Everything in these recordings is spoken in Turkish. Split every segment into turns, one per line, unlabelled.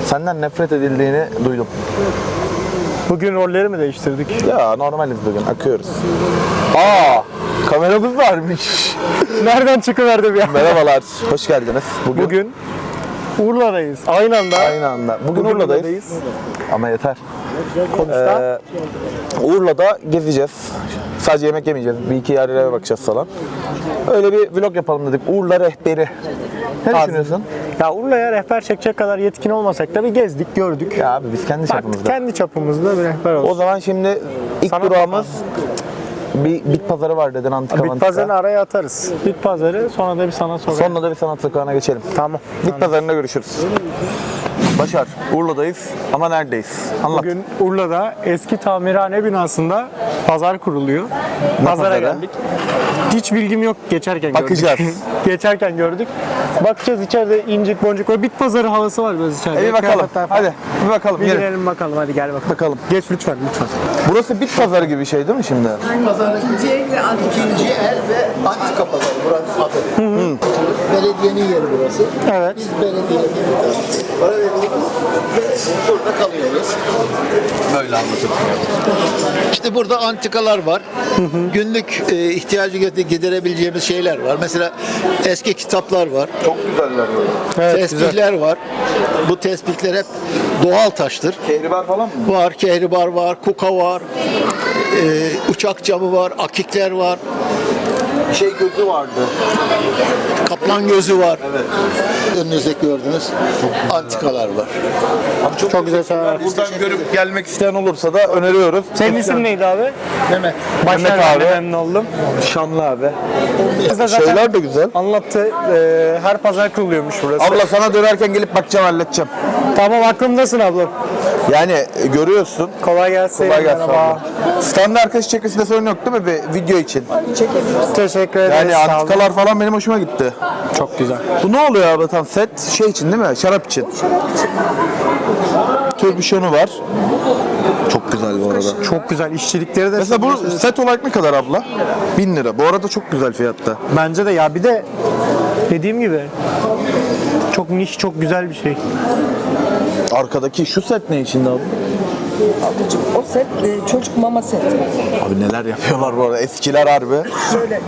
Senden nefret edildiğini duydum.
Bugün rolleri mi değiştirdik?
Ya normaliz bugün, akıyoruz. Aa, kameramız varmış.
Nereden çıkıverdi bir an?
Merhabalar, hoş geldiniz.
Bugün Urla'dayız. Aynı anda.
Aynı anda. Bugün Urla'dayız. Ama yeter.
Konuşta.
Urla'da gezeceğiz. Sadece yemek yemeyeceğiz. Bir iki yerlere bakacağız falan. Öyle bir vlog yapalım dedik. Urla rehberi. Ne düşünüyorsun?
Ya Urla'ya rehber çekecek kadar yetkin olmasak da bir gezdik, gördük.
Ya abi biz kendi
Baktık,
çapımızda.
kendi çapımızda bir rehber olsun.
O zaman şimdi ilk
Sana
durağımız bir bit pazarı var dedin, antika
Bit pazarını araya atarız. Bit pazarı, sonra da bir sanat sokağı.
Sonra da bir sanat sokağına geçelim.
Tamam.
Bit pazarında görüşürüz. Başar, Urla'dayız ama neredeyiz? Anlat.
Bugün Urla'da eski tamirhane binasında pazar kuruluyor. Pazara
pazarı?
geldik. Hiç bilgim yok, geçerken
Bakacağız.
gördük. Geçerken gördük. Bakacağız, içeride incik boncuk var. Bit pazarı havası var biraz içeride.
Bir bakalım.
Kıyafetler falan.
Hadi bir bakalım.
Bir
Gelin.
girelim bakalım, hadi gel bakalım.
Bakalım.
Geç lütfen.
Burası bit pazarı gibi bir şey değil mi şimdi?
İkinci el ve antika pazarı buranın adı. Belediyenin yeri burası.
Evet.
Biz belediyenin para veriyoruz ve burada kalıyoruz.
Böyle anlatırım.
İşte burada antikalar var. Günlük ihtiyacı giderebileceğimiz şeyler var. Mesela eski kitaplar var.
Çok güzeller böyle.
Evet, güzel.
Tesbihler var. Bu tesbihler hep doğal taştır.
Kehribar falan mı?
Var, kehribar var, kuka var, uçak camı var, akikler var,
Şey gözü vardı.
kaplan gözü var.
Evet.
Önünüzde gördüğünüz antikalar var.
Abi
Çok güzel şeyler.
Buradan görüp gelmek isteyen olursa da öneriyoruz.
Senin isim neydi abi?
Mehmet.
Başar
Mehmet abi.
Memnun oldum.
Şanlı abi.
Biz de zaten
Şeyler de güzel.
anlattı. Her pazar kuruluyormuş burası.
Abla sana dönerken gelip bakacağım, halledeceğim.
Tamam, aklımdasın ablam.
Yani görüyorsun.
Kolay gelsin.
Kolay gelsin
Merhaba.
abla. Standart arkadaş çekmesinde sorun yok değil mi bir video için?
Teşekkür ederiz.
Yani
sağ olun.
antikalar falan benim hoşuma gitti.
Çok güzel.
Bu ne oluyor abi tam set şey için değil mi? Şarap için. Türbüşonu var. Çok güzel bu arada.
Çok güzel. İşçilikleri de
Mesela
çok
bu
güzel.
set olarak ne kadar abla? 1000 lira. Bu arada çok güzel fiyatta.
Bence de ya, bir de dediğim gibi çok niş, çok güzel bir şey.
Arkadaki şu set ne içinde abi?
Ablacığım, o set çocuk mama seti.
Abi neler yapıyorlar bu arada. Eskiler harbi.
Şöyle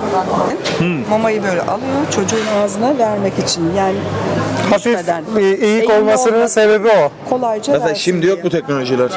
mamayı böyle alıyor çocuğun ağzına vermek için. Yani
Hafif
düşmeden,
eğik
eğimli
olmasının
olmadan
sebebi o.
kolayca
Mesela
versin
şimdi
diye.
yok bu teknolojiler.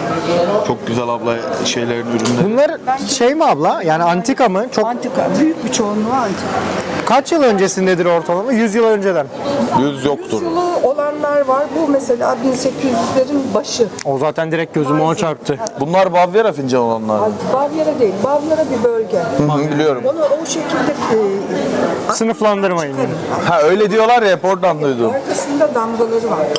Çok güzel abla şeylerin ürünleri.
Bunlar şey mi abla? Yani antika mı? Çok
Antika, büyük bir çoğunluğu antika.
kaç yıl öncesindedir ortalama? 100 yıl önceden.
100 yoktur.
Yılı olanlar var. Bu mesela 1800'lerin başı.
O zaten direkt gözüme o çarptı.
Bunlar Bavyera fincanı olanlar.
Bavyera değil, Bavyera bir bölge.
Biliyorum.
Onu o şekilde
Sınıflandırmayın. yani.
Ha öyle diyorlar ya, hep oradan duydum.
arkasında damgaları var.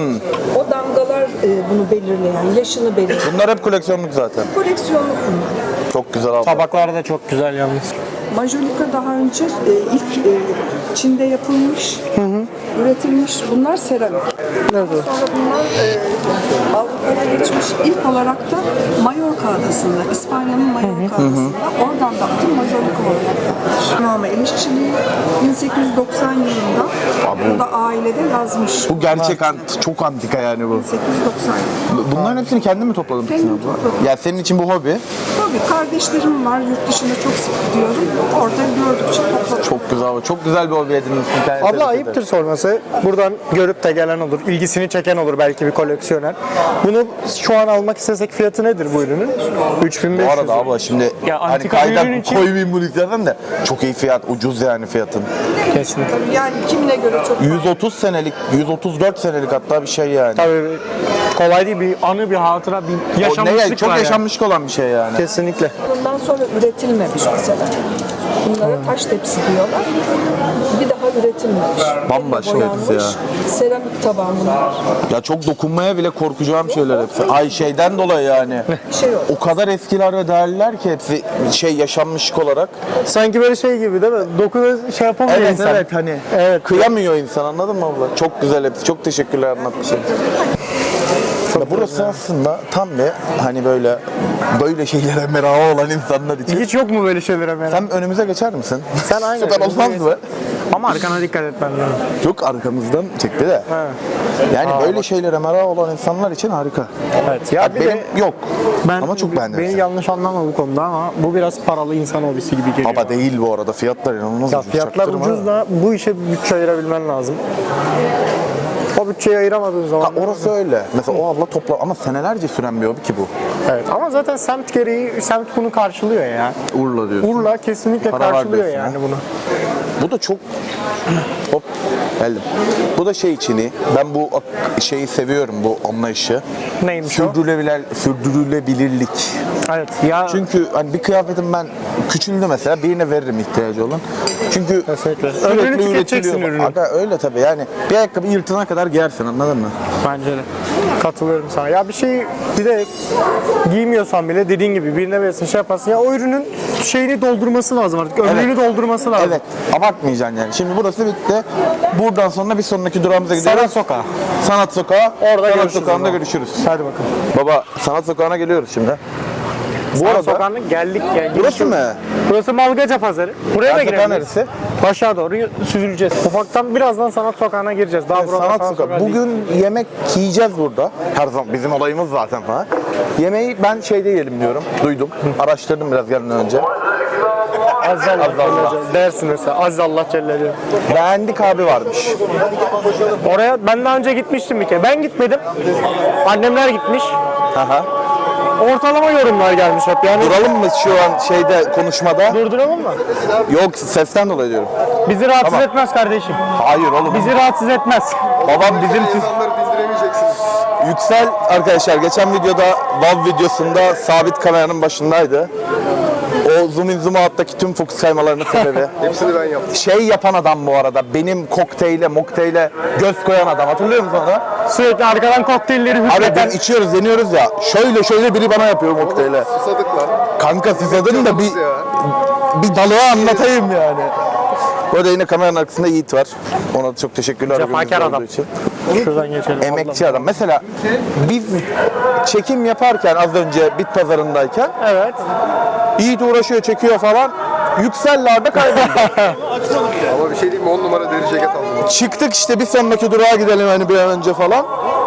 O damgalar bunu belirleyen, yaşını belirleyen.
Bunlar hep koleksiyonluk zaten.
Koleksiyonluk bunlar.
Çok güzel abla.
Tabaklar da çok güzel yalnız.
Majolika daha önce ilk Çin'de yapılmış, üretilmiş. Bunlar seramik. Sonra bunlar Avrupa'ya geçmiş. İlk olarak da Mallorca adasında, İspanya'nın Mallorca adasında. Oradan da adı Majolika olarak yapılmış. Mama el işçiliği 1890 yılında burada ailede yazmış.
Bu gerçek çok antika yani bu.
1890 yılında.
Bunların hepsini kendin mi topladın peki
Kendim
abla?
topladım.
Ya senin için bu hobi.
Tabii kardeşlerim var, yurt dışına çok sık gidiyorum. Orada gördükçe topladım.
Çok güzel abi. Çok güzel bir hobi edinmişsin.
Abla ayıptır sorması. Buradan görüp de gelen olur. İlgisini çeken olur belki bir koleksiyoner. Bunu şu an almak istesek fiyatı nedir bu ürünün? 3500.
Bu arada abla şimdi
Ya
hani
antika bir ürün
kaydan
için-
koymayayım bunu istersen de çok iyi fiyat. Ucuz yani fiyatın.
Kesinlikle.
Tabii yani kimine göre çok
130 senelik, 134 senelik hatta bir şey yani.
Tabii kolay değil, bir anı, bir hatıra, bir
O ne
yaşanmışlık
çok
var yani.
yaşanmış olan bir şey yani.
Kesinlikle.
Bundan sonra üretilmemiş mesela. Bunlara taş tepsi diyorlar. Bir daha üretilmemiş.
Bambaşka
Boyanmış,
hepsi ya.
seramik taban bunlar.
Ya çok dokunmaya bile korkacağım şeyler hepsi. Ay şeyden dolayı yani.
Bir şey yok.
O kadar eskiler ve değerliler ki hepsi şey yaşanmışlık olarak.
Sanki böyle şey gibi değil mi? Dokuna şey yapamıyor
Evet
insan.
evet hani
Evet.
kıyamıyor insan, anladın mı abla? Çok güzel hepsi. Çok teşekkürler anlatmışsın. Ya burası aslında tam bir hani böyle şeylere merakı olan insanlar için.
Hiç yok mu böyle şeylere merak?
Sen önümüze geçer misin?
Sen aynen
Süper
önümüze
olmaz mı?
Ama arkana dikkat etmen lazım.
Çok arkamızdan çekti de. Yani böyle şeylere merak olan insanlar için harika.
Evet. Ya
Ya
bir
benim
de
yok. Ama çok beğendim.
Beni yanlış anlama bu konuda ama bu biraz paralı insan hobisi gibi geliyor.
Baba değil bu arada. Fiyatlar inanılmaz
Ya
ucuz.
fiyatlar
Çaktırma.
ucuz da bu işe bir bütçe ayırabilmen lazım. O bütçeyi ayıramadığın zaman...
Ha, orası öyle. Mesela o abla topla ama senelerce süren bir hobi ki bu.
Evet ama zaten semt gereği, semt bunu karşılıyor ya.
Urla diyorsun.
Urla kesinlikle
Para var
karşılıyor
diyorsun,
yani
ha?
bunu.
Bu da çok hop geldim. Bu da şey içini. Ben bu şeyi seviyorum, bu anlayışı.
Neymiş o?
Sürdürülebilirlik.
Evet ya
Çünkü hani bir kıyafetim ben küçüldü mesela birine veririm ihtiyacı olan. Çünkü
Kesinlikle. Ömrünü
sürekli
tüketeceksin
üretiliyor.
ürünü.
Aga, öyle tabii yani bir ayakkabı yırtına kadar giyersin anladın mı?
bence de katılıyorum sana. Ya bir şey bir de giymiyorsan bile dediğin gibi birine verirsin şey yaparsın ya o ürünün şeyini doldurması lazım artık. Ömrünü doldurması lazım.
Evet abartmayacaksın yani. Şimdi burası bitti. Buradan sonra bir sonraki durağımıza gidiyoruz.
Sanat Sokağı.
Sanat Sokağı.
Orada
Sanat
görüşürüz
Sokağı'nda
o zaman.
görüşürüz.
Hadi bakalım.
Baba Sanat Sokağı'na geliyoruz şimdi. Bu
Sanat
arada
Sokağı'na geldik ya.
burası mı?
Burası Malgaca Pazarı. Buraya da
Sanat Sokağı
girebiliriz.
neresi?
Aşağı doğru süzüleceğiz. Ufaktan birazdan Sanat Sokağı'na gireceğiz. Daha burada
Sanat Sokağı.
Sokağı değil.
Bugün yemek yiyeceğiz burada. Her zaman bizim olayımız zaten falan. Yemeği ben şeyde yiyelim diyorum. Duydum. Araştırdım biraz gelmeden önce.
Azzallah
Azzallah.
Celle dersin mesela. Azzallah Celle diyor.
Beğendik abi varmış.
Oraya ben daha önce gitmiştim bir kere. Ben gitmedim. Annemler gitmiş.
Aha.
Ortalama yorumlar gelmiş hep. Yani
Duralım mı şu an şeyde konuşmada?
durduralım mı?
Yok sesten dolayı diyorum.
Bizi rahatsız
Tamam.
etmez kardeşim.
Hayır oğlum.
Bizi rahatsız etmez.
Babam bizim
İnsanları bildiremeyeceksiniz.
Yüksel arkadaşlar geçen videoda Vav videosunda sabit kameranın başındaydı. O zoom in zoom out'taki tüm fokus kaymalarının sebebi.
Hepsini ben yaptım.
Şey yapan adam bu arada. Benim mokteyle göz koyan adam. Hatırlıyor musun onu?
Sürekli arkadan kokteylleri
Abi
hüpleten.
biz içiyoruz, deniyoruz ya. Şöyle biri bana yapıyor mokteyle.
Susadık lan.
Kanka susadın da bir
Ya.
dalığa anlatayım yani. Bu arada yine kameranın arkasında Yiğit var. Ona da çok teşekkürler.
Cefakar
günümüzde
adam.
olduğu için.
Şuradan geçelim.
Emekçi adam. Mesela biz çekim yaparken az önce bit pazarındayken
Evet.
Yiğit uğraşıyor, çekiyor falan. Yüksel'lerde kayboldu.
Ama bir şey diyeyim mi? 10 numara deri ceket aldım.
Çıktık işte bir sonraki durağa gidelim hani bir an önce falan.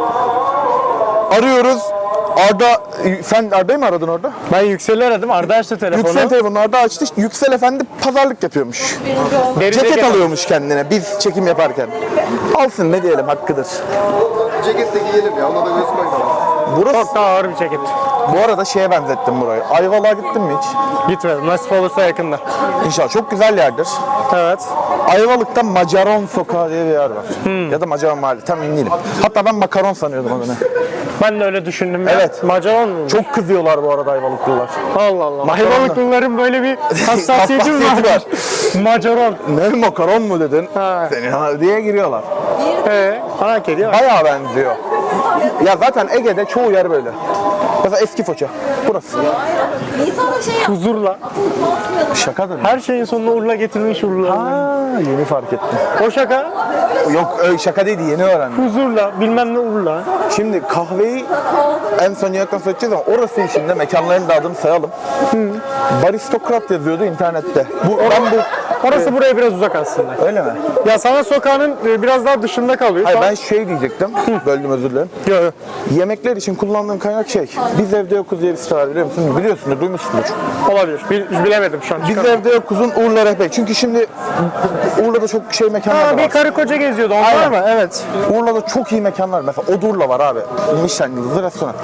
Arıyoruz. Arda, sen Arda'yı mı aradın orada?
Ben Yüksel'i aradım. Arda açtı telefonu.
Yüksel telefonu Arda açtı. Yüksel Efendi pazarlık yapıyormuş.
Deri
Ceket alıyormuş kendine biz çekim yaparken. Alsın ne diyelim hakkıdır.
Ceket de giyelim ya. Ona da göz koyma.
Burası
Çok daha ağır bir ceket.
bu arada şeye benzettim burayı. Ayvalık'a gittin mi hiç?
Gitmedim. Nasip olursa yakında.
İnşallah çok güzel yerdir.
Evet.
Ayvalık'ta Macaron Sokağı diye bir yer var. Ya da Macaron Mahalle tam emin değilim. Hatta ben makaron sanıyordum adını.
Ben de öyle düşündüm ya.
Evet.
Macaron mu?
Çok kızıyorlar bu arada Ayvalıklılar.
Allah Allah.
Makaron.
Ayvalıklıların böyle bir hassasiyeti mi
Hassasiyeti
var? Macaron.
Ne makaron mu dedin?
Ha.
Seni ha diye giriyorlar.
Hak ediyor.
Bayağı benziyor. Ya zaten Ege'de çoğu yer böyle. Mesela eski Foça. Burası.
İnsanlar şey yap.
Huzurla.
Şakadır.
Her şeyin sonuna urla getirmiş urla.
Aa, yeni fark ettim.
O şaka
Yok şaka değildi yeni öğrendim.
huzurla bilmem ne urla.
Şimdi kahveyi en son yakın söyleyeceğiz ama orası içinde mekanların da adını sayalım. Baristokrat yazıyordu internette.
Orası buraya biraz uzak aslında.
Öyle mi?
Ya Sanat Sokağı'nın biraz daha dışında kalıyor.
Hayır ben şey diyecektim. Böldüm özür dilerim.
Yo, yo.
Yemekler için kullandığım kaynak şey. Biz evde yokuz diye bir site var biliyor musun? Biliyorsundur, duymuşsundur.
Olabilir. Bilemedim şu an.
Biz evde yokuzun Urla rehberi. Çünkü şimdi Urla'da çok şey mekanlar da
Bir
var.
karı koca geziyordu. Onlar
Aynen.
mı? Evet.
Urla'da çok iyi mekanlar. Mesela Odurla var abi. Michelin yıldızlı restoran.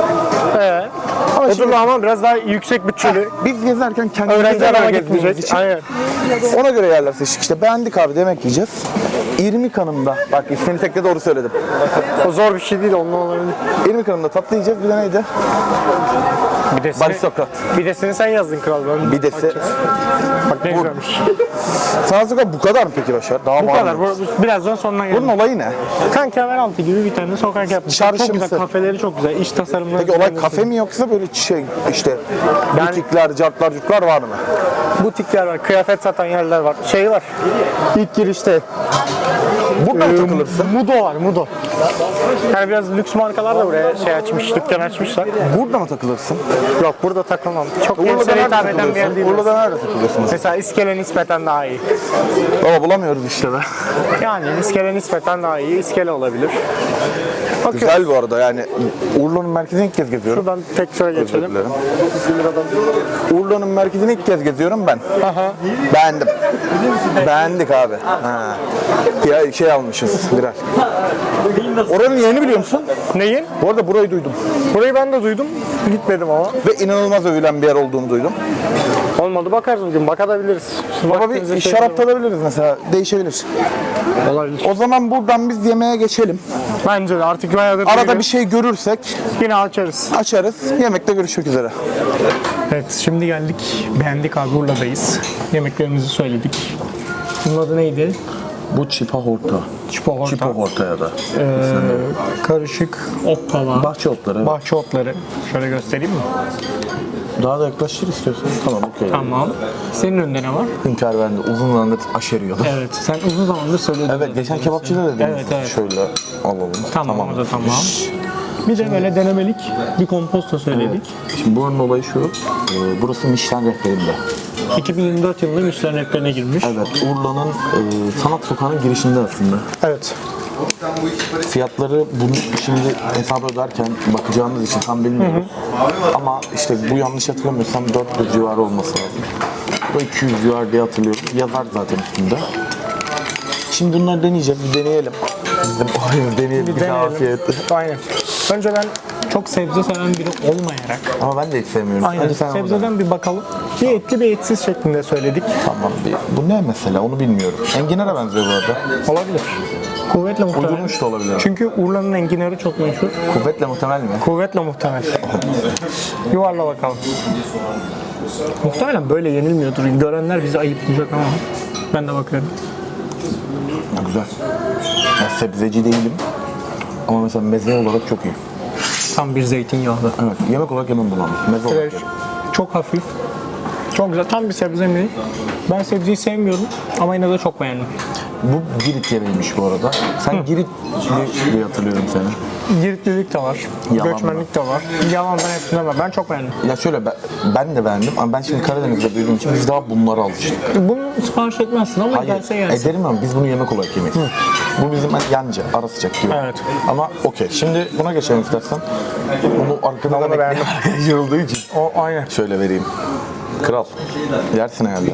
Ama şimdi
Odurlu ama biraz daha yüksek bütçeli.
biz gezerken kendimize
Öğrenci
zarar
arama
gezmemiz
gitmeyecek.
için
Aynen.
ona göre yerler seçtik. İşte beğendik abi demek yiyeceğiz. İrmik Hanım'da, bak ismini tekte doğru söyledim.
O zor bir şey değil. Onunla olabilir.
İrmik Hanım'da tatlı yiyeceğiz. Bir de neydi? Baristokrat.
Bidesini sen yazdın kral. Ben
Bidesi.
Bak ne güzelmiş.
Sanat Sokak bu kadar mı peki Başar? Daha
Bu
var
kadar.
mı?
Birazdan sonuna
Bunun
geldim.
olayı ne?
Kemeraltı gibi bir tane sokak yapmışlar. Çok
Çarşımsı.
güzel. Kafeleri çok güzel. İç tasarımları.
Peki olay
güzel.
kafe mi yoksa böyle şey işte
Ben-
butikler, cartlar, curtlar var mı?
Butikler var. Kıyafet satan yerler var. Şey var. İlk girişte
Buradan takılırsın.
Mudo var, Mudo. Yani biraz lüks markalar da buraya şey açmış, dükkan açmışlar.
Burada mı takılırsın?
Yok, burada takılmam. Çok
Urla'da
gençlere
nerede
hitap eden bir yer değil.
takılıyorsun? Urla'da nerede takılıyorsun?
Mesela İskele nispeten daha iyi.
Baba bulamıyoruz işte be.
Yani İskele nispeten daha iyi. İskele olabilir. Bakıyoruz.
Güzel bu arada yani Urla'nın merkezini ilk kez geziyorum.
Şuradan tek sıra
Özür
geçelim.
dilerim. Urla'nın merkezini ilk kez geziyorum ben.
Aha.
Beğendim. Beğendik abi. Ha. Ya şey almışız birer. Oranın yerini biliyor musun?
Neyin?
Bu arada burayı duydum.
Burayı ben de duydum. Gitmedim ama.
Ve inanılmaz övülen bir yer olduğunu duydum.
Olmadı bakarız bugün. Bakabiliriz.
Baba bir şarap tadabiliriz mesela. Değişebilir.
Olabilir.
O zaman buradan biz yemeğe geçelim.
Bence de artık bayağıdır
Arada
değilim.
bir şey görürsek
Yine açarız.
açarız. Yemekte görüşmek üzere.
Evet, şimdi geldik. Beğendik abi, Urla'dayız. Yemeklerimizi söyledik. Bunun adı neydi?
Bu çipahorta.
Çipohorta.
Çipahortaya da.
Karışık oklava.
Bahçe otları. Evet.
Bahçe otları. Şöyle göstereyim mi?
Daha da yaklaştır istiyorsan. Tamam okey.
Tamam. Senin önünde ne var?
Hünkar bende uzun zamandır aşeriyordum.
Evet. Sen uzun zamandır söylüyordun.
Evet geçen kebapçıda da dedim.
Evet, evet.
Şöyle alalım.
Tamam, o da tamam. Bir de böyle denemelik bir komposto söyledik.
Şimdi buranın olayı şu. Burası Michelin rehberinde.
2024 yılında Michelin rehberine girmiş.
Evet. Urla'nın sanat sokağının girişinde aslında.
Evet.
Fiyatları bunu şimdi hesap öderken bakacağımız için tam bilmiyoruz. Ama işte bu yanlış hatırlamıyorsam 400 civarı olması lazım. Bu 200 civarı diye hatırlıyorum. Yazar zaten üstünde. Şimdi bunları deneyeceğiz. Bir deneyelim. Bizim oyunu deneyelim. Bir
Deneyelim.
afiyet.
Aynen. Önce ben çok sebze seven biri olmayarak
Ama ben de hiç sevmiyorum.
aynen
Hadi sen
sebzeden bir bakalım. Bir etli bir etsiz şeklinde söyledik.
Tamam. Bu ne mesela onu bilmiyorum. Enginar'a benziyor bu arada.
Olabilir. Kuvvetle muhtemel.
Uydurmuş da olabilir.
Çünkü Urla'nın enginarı çok meşhur.
Kuvvetle muhtemel mi?
Kuvvetle muhtemel. Yuvarla bakalım. Muhtemelen böyle yenilmiyordur. Görenler bizi ayıplayacak ama ben de bakıyorum.
Ya güzel. Ya sebzeci değilim. Ama mesela meze olarak çok iyi.
Tam bir zeytinyağlı.
Evet. Yemek olarak yemem bunu ama. Meze olarak
Fresh.
yerim.
Çok hafif. Çok güzel. Tam bir sebze yemeği. Ben sebzeyi sevmiyorum ama yine de çok beğendim.
Bu Girit yemeğiymiş bu arada. Sen Girit diye hatırlıyorum seni.
Giritlilik de var.
Yalan
Göçmenlik de var. Yalandan hepsinde var. Ben çok beğendim.
Ya şöyle ben de beğendim ama ben şimdi Karadeniz'de büyüdüğüm için biz daha bunlara alıştık.
Bunu sipariş etmezsin ama
Hayır,
gelse yersin.
ederim ama biz bunu yemek olarak yemeyiz. Bu bizim yancı, ara sıcak gibi.
Evet.
Ama okey. Şimdi buna geçelim istersen. Bunu arkada da
beğendim.
yorulduğu için.
O aynen.
Şöyle vereyim. Kral. Yersin herhalde.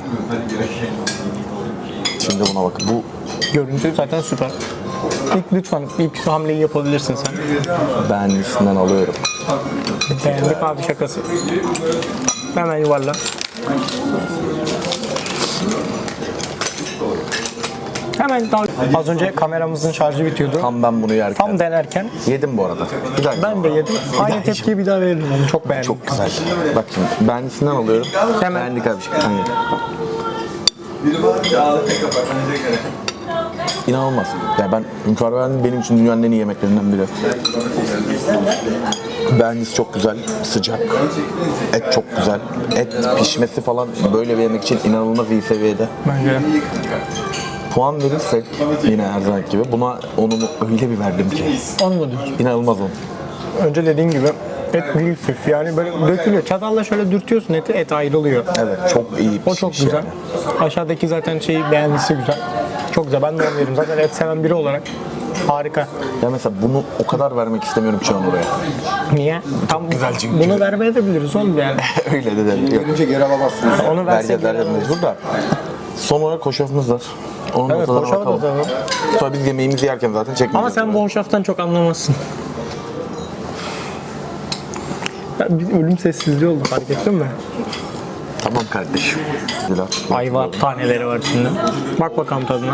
Şimdi buna bak. Bu
Görüntü zaten süper. Lütfen ilk hamleyi yapabilirsin sen.
beğenlisinden alıyorum.
Beğendik abi, şakası. Hemen yuvarla. Hemen daha az önce kameramızın şarjı bitiyordu.
Tam ben bunu yerken.
Tam denerken
Yedim bu arada. Bir dakika.
ben de yedim. Aynı tepkiyi bir daha veririm, onu çok beğendim.
Çok güzel. Bak şimdi beğenlisinden alıyorum.
Hemen.
Beğendik abi. Aynen. İnanılmaz. Yani ben Hünkar Beğendim benim için dünyanın en iyi yemeklerinden biri. Beğendisi çok güzel, sıcak. Et çok güzel. Et pişmesi falan böyle bir yemek için inanılmaz iyi seviyede.
Bence de.
Puan verirsek yine her zaman gibi buna onu öyle bir verdim ki.
Onu da diyorsun.
İnanılmaz on.
Önce dediğin gibi et hafif, yani böyle dökülüyor. Çatalla şöyle dürtüyorsun eti, et ayrılıyor.
Evet çok iyi
O çok
pişmiş
güzel.
yani.
Aşağıdaki zaten beğendisi güzel. Çok güzel. Ben de onu veririm. Zaten et seven biri olarak harika.
Ya mesela bunu o kadar vermek istemiyorum şu an oraya.
Niye? Tam
güzel çünkü.
Bunu vermeye de biliriz oğlum yani.
Öyle de değil. Yok.
Önce geri alamazsınız.
Onu versek
Vereceğiz mecbur da. Son olarak hoşafımız var. Onun
Evet,
ortadan
hoşaf da
bakalım.
tamam.
Sonra biz yemeğimizi yerken zaten çekmeyeceğiz.
Ama sen bu hoşaftan çok anlamazsın. Bir ölüm sessizliği oldu, fark ettin mi?
Tamam kardeşim.
Ayva taneleri var içinde. Bak bakalım tadına.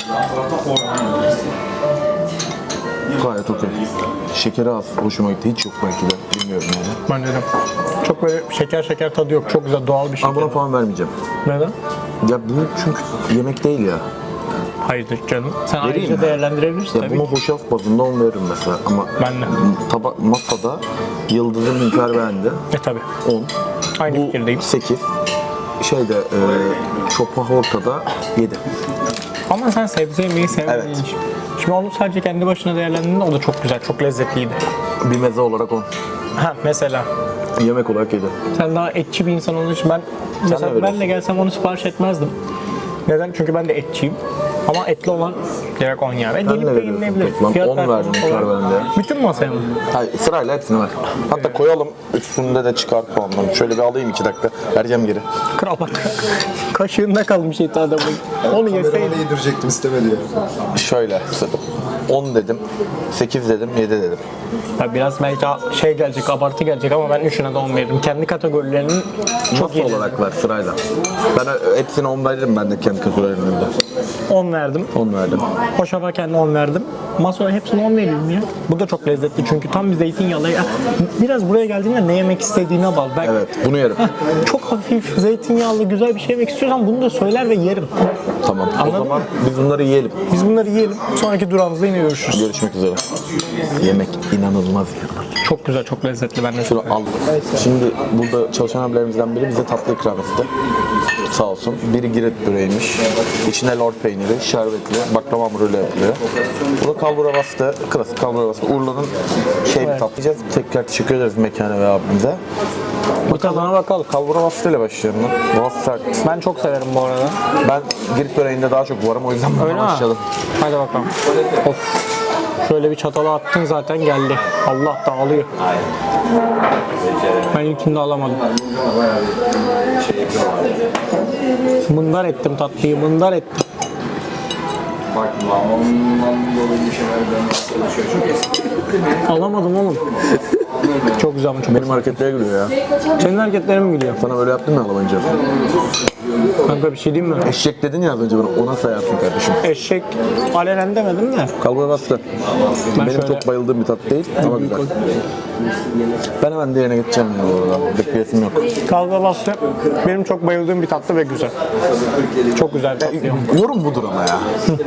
Gayet okey. Şekeri az. Hoşuma gitti. Hiç yok belki de. Bilmiyorum yani.
Bence de. Çok böyle şeker tadı yok. Çok güzel, doğal bir şey.
Ama buna puan vermeyeceğim.
Neden?
Ya bu çünkü yemek değil ya.
Hayırdır canım. Sen
Vereyim
ayrıca
mi?
değerlendirebilirsin
Ya
tabii.
buna hoşaf bazında 10 veririm mesela. Ama
Ben de.
masada Yıldız'ın Hünkar Beğendi.
Tabii.
10.
Aynı
Bu
fikirdeyim.
8. Şeyde Çopahorta'da 7.
Ama sen sebze yemeyi sevmediğin
Evet.
için. Şimdi onu sadece kendi başına değerlendirdiğinde o da çok güzel, çok lezzetliydi.
Bir meze olarak 10.
Ha mesela
Yemek olarak 7.
sen daha etçi bir insan olduğun için ben
ne
mesela ben
veriyorsun?
de gelsem onu sipariş etmezdim. Neden? Çünkü ben de etçiyim. Ama etli olan direkt 10 yani.
ne
Gelip de
veriyorsun
yenilebilir.
toplam?
Fiyat
10 verdim
performans olarak.
Carvene'de.
Bütün masaya mı?
Hayır, sırayla hepsini ver. Hatta koyalım, üstünde de çıkar puanlarını. Şöyle bir alayım 2 dakika. Vereceğim geri.
Kral bak. Kaşığında kalmış et adamın. Onu yeseydim.
Kameramı yedirecektim istemedi ya.
Şöyle, 10 dedim, 8 dedim, 7 dedim.
Ya biraz belki şey gelecek, abartı gelecek ama ben üçüne de 10 veririm. Kendi kategorilerinin çok
Nasıl
iyi.
olarak ver sırayla? Ben hepsine 10 veririm ben de kendi kategorilerimde.
10 verdim.
10 verdim.
Hoşaf'a kendi 10 verdim. Masaya hepsine 10 veriyorum ya. Bu da çok lezzetli çünkü tam bir zeytinyağlı. Ya, biraz buraya geldiğinde ne yemek istediğine bağlı. Ben
Evet, bunu yerim.
çok hafif zeytinyağlı güzel bir şey yemek istiyorsan bunu da söyler ve yerim.
Tamam.
Anladın
O zaman
mı?
biz bunları yiyelim.
Biz bunları yiyelim. Sonraki durağımızda yine görüşürüz.
Görüşmek üzere. Yemek inanılmaz ya.
Çok güzel, çok lezzetli. Ben de
Şunu al. Şimdi burada çalışan abilerimizden biri bize tatlı ikram etti. Sağ olsun. Biri girit böreğiymiş. İçine lor peyniri, şerbetli, baklava hamuruyla yapılıyor. Bu da kalbura bastı. Klasik kalbura bastı. Urla'nın bir tatlı yiyeceğiz. Tekrar teşekkür ederiz mekana ve abimize.
bu tadına bakalım.
Kalbura bastı ile başlayalım lan. Boğaz sert.
Ben çok severim bu arada.
Ben girit böreğinde daha çok varım. O yüzden
Öyle
buna
mi?
başladım.
Hadi bakalım. Of. Şöyle bir çatala attın zaten geldi. Allah dağılıyor. Ben ilkinde alamadım. Mındar ettim tatlıyı, mındar ettim. Alamadım oğlum. Çok güzel ama çok
Benim hareketlere gülüyor ya.
Senin hareketlerin mi gülüyor?
Sana böyle yaptın mı alamayınca?
Kanka bir şey diyeyim mi?
Eşek dedin ya az önce bana. Ona sayarsın kardeşim.
Eşek alenen demedim de.
Kalbura bastı. Benim
şöyle-
çok bayıldığım bir tat değil ama güzel. Ben hemen diğerine geçeceğim ya bu arada. Bekleyesim yok.
Kalba bastı. Benim çok bayıldığım bir tatlı ve güzel. Çok güzel bir tatlı.
Yorum budur ama ya.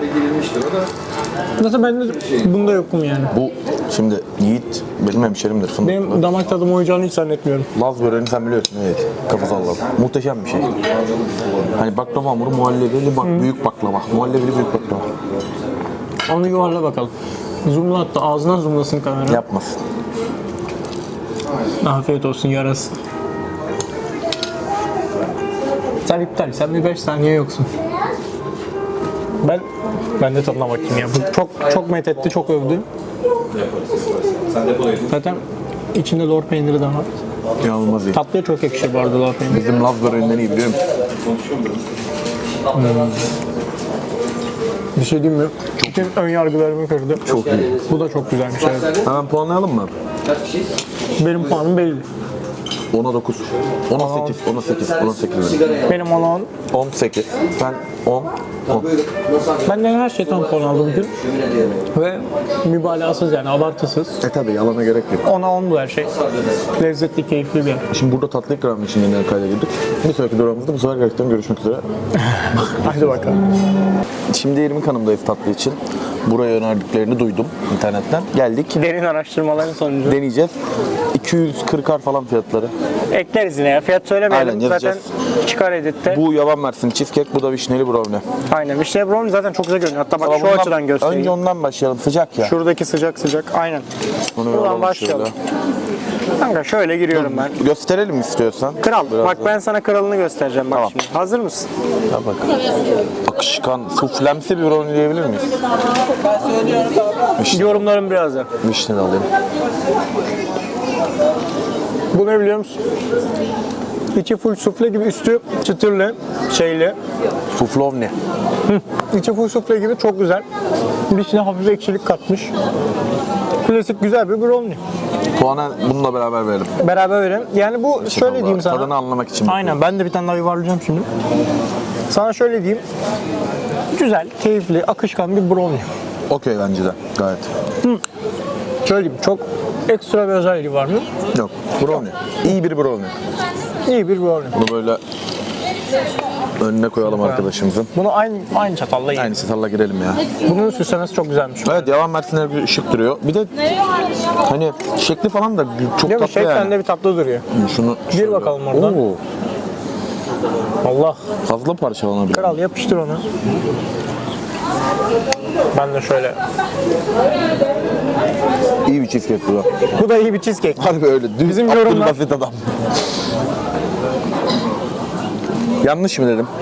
Nasıl ben de bunda yokum yani.
Bu şimdi Yiğit benim hemşerimdir fındıklı.
Benim damak tadım uyacağını hiç zannetmiyorum.
Laz böreğini sen biliyorsun evet. Kafa sallam. Muhteşem bir şey. Hani baklava hamuru muhallebili büyük baklava. Muhallebili büyük baklava.
Onu yuvarla bakalım. Zoomla hatta ağzına zoomlasın kamera.
Yapmasın.
Afiyet olsun yarasın. Sen iptal. Sen bir 5 saniye yoksun. Ben de tadına bakayım ya. Bu çok methetti, çok övdü. Zaten içinde lor peyniri de var.
İnanılmaz iyi.
Tatlıya çok yakışır bu arada lor peyniri.
Bizim Laz böreğinden iyi biliyor musun?
Bir şey diyeyim mi? Bütün ön yargılarımı kırdı.
Çok iyi.
Bu da çok güzel bir şey.
Hemen puanlayalım mı?
Benim puanım belli.
10'a 9. 10'a 8. 10'a 8. 10'a 8.
Benim ona 10.
18. Ben 10. 10.
Benden her şeyden puan aldım bugün. Ve mübalağasız yani abartısız.
Tabi yalana gerek yok.
10'a 10 bu her şey. Lezzetli, keyifli bir yer.
Şimdi burada tatlı ikramı için yine kayda girdik. Bir sonraki durağımızda bu sefer gerçekten görüşmek üzere.
Hadi bakalım.
Şimdi 20 kanımdayız tatlı için. Buraya önerdiklerini duydum internetten. Geldik.
Derin araştırmaların sonucu.
Deneyeceğiz. 240'ar falan fiyatları.
Ekleriz yine ya. Fiyat söylemeyelim.
Aynen,
Zaten
yazacağız.
çıkar editte.
Bu yavan mersin cheesecake, bu da vişneli brownie.
Aynen. Vişne brownie zaten çok güzel görünüyor. Hatta bak
Ama
şu
bundan-
açıdan göstereyim.
Önce ondan başlayalım. Sıcak ya.
Şuradaki sıcak sıcak. Aynen.
Onu
Buradan
yolalım
başlayalım. Kanka şöyle giriyorum ben.
şöyle. Gösterelim istiyorsan.
Kral.
Biraz
Bak
da.
ben sana kralını göstereceğim bak
Tamam.
şimdi. Hazır mısın?
Ya bak. Akışkan, suflemsi bir brownie diyebilir miyiz?
Yorumlarım birazdan.
Vişneli alayım.
Bu ne biliyor musun? İçi full sufle gibi, üstü çıtırlı, şeyli.
Suflovni.
İçi full sufle gibi, çok güzel. İçine hafif ekşilik katmış. Klasik güzel bir brownie.
Puanı bununla beraber verelim.
Beraber verelim. Yani bu şöyle diyeyim sana.
Tadını anlamak için.
Aynen, ben de bir tane daha yuvarlayacağım şimdi. Sana şöyle diyeyim. Güzel, keyifli, akışkan bir brownie.
Okey bence de gayet.
Şöyle diyeyim, çok ekstra bir özelliği var mı?
Yok. Brownie. İyi bir brownie.
İyi bir brownie.
Bunu böyle önüne koyalım arkadaşımızın.
Bunu aynı çatalla yiyin.
Aynı çatalla girelim ya.
Bunun süslemesi çok güzelmiş.
Evet yavan mersinler şık duruyor. Bir de hani şekli falan da çok
Değil mi?
tatlı yani.
Şeklen de bir tatlı duruyor.
Şunu
Gir
şöyle-
bakalım oradan.
Oo,
Allah.
fazla parçalanabilir.
Kral yapıştır onu. Ben de şöyle.
İyi bir cheesecake bu.
Bu da iyi bir cheesecake.
Harbi öyle.
Bizim
Abdülbasit
yorumlar-
adam. Yanlış mı dedim?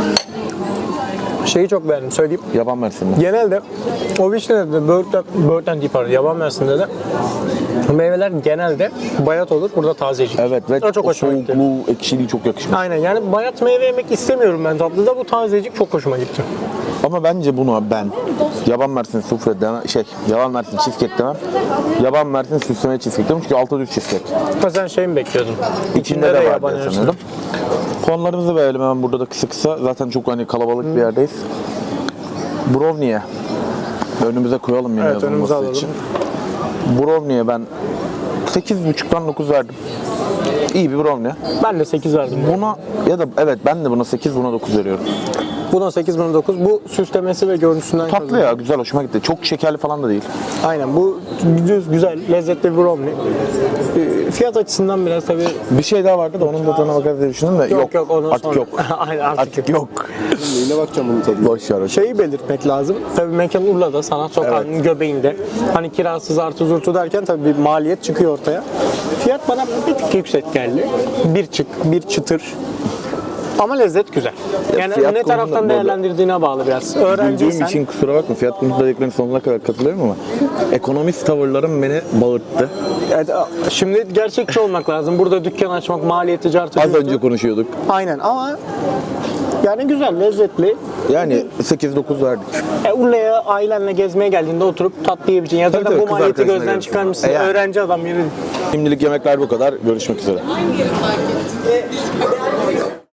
Şeyi çok beğendim söyleyeyim.
Yaban mersini.
Genelde o vişnede de böğürtlen değil pardon yaban mersinde de meyveler genelde bayat olur. Burada tazecik.
Evet ve
O çok
o
hoşuma gitti.
soğukluğu, ekşiliği çok yakışmış.
Aynen yani bayat meyve yemek istemiyorum ben tatlıda. Bu tazecik çok hoşuma gitti.
Ama bence buna ben yaban mersini sufle demem, yaban mersini cheesecake demem. Yaban mersini süsleme cheesecake demem çünkü altı düz cheesecake.
Ha sen şey mi bekliyordun?
İçinde de var
yaban
diye
mersini.
sanıyordum. Puanlarımızı verelim hemen burada da kısa. Zaten çok hani kalabalık bir yerdeyiz. Brownie'ye önümüze koyalım yine
Evet, önümüze
yazılması
alalım.
için. Brownie'ye ben 8,5'tan 9 verdim. İyi bir brownie.
Ben de 8 verdim.
Buna ya da evet ben de buna 8 buna 9 veriyorum.
Buna 8 buna 9. Bu süslemesi ve görüntüsünden
Tatlı
kazanıyor.
ya güzel hoşuma gitti. Çok şekerli falan da değil.
Aynen bu düz güzel lezzetli bir brownie. Fiyat açısından biraz tabii
Bir şey daha vardı da onun da tadına bakarız diye düşündüm de
yok onu
artık
sonra.
yok.
Aynen artık yok.
Neyine bakacağım bunun tadına?
Boş ver.
Şeyi belirtmek lazım. Tabii mekan Urla'da sanat sokağının göbeğinde. Hani kirasız artı zurtu derken tabii bir maliyet çıkıyor ortaya. Fiyat bana bir tık yüksek geldi. Bir çıtır. Ama lezzet güzel. Yani
fiyat
ne
konusunda
taraftan
bu
değerlendirdiğine bağlı biraz.
Güldüğüm
Öğrenciysen
için kusura bakma fiyat konusunda dediklerinin sonuna kadar katılıyorum ama ekonomist tavırlarım beni bağırttı.
evet, şimdi gerçekçi olmak lazım. Burada dükkan açmak maliyeti cartı.
Az
curtu.
önce konuşuyorduk.
Aynen ama yani güzel, lezzetli.
Yani 8-9 verdik.
Urla'ya ailenle gezmeye geldiğinde oturup tatlı yiyebileceğin ya da
Tabii,
bu
kız
maliyeti
arkadaşına
gözden
gelirsin.
çıkarmışsın.
Yani.
Öğrenci adam yeri.
Şimdilik yemekler bu kadar. Görüşmek üzere.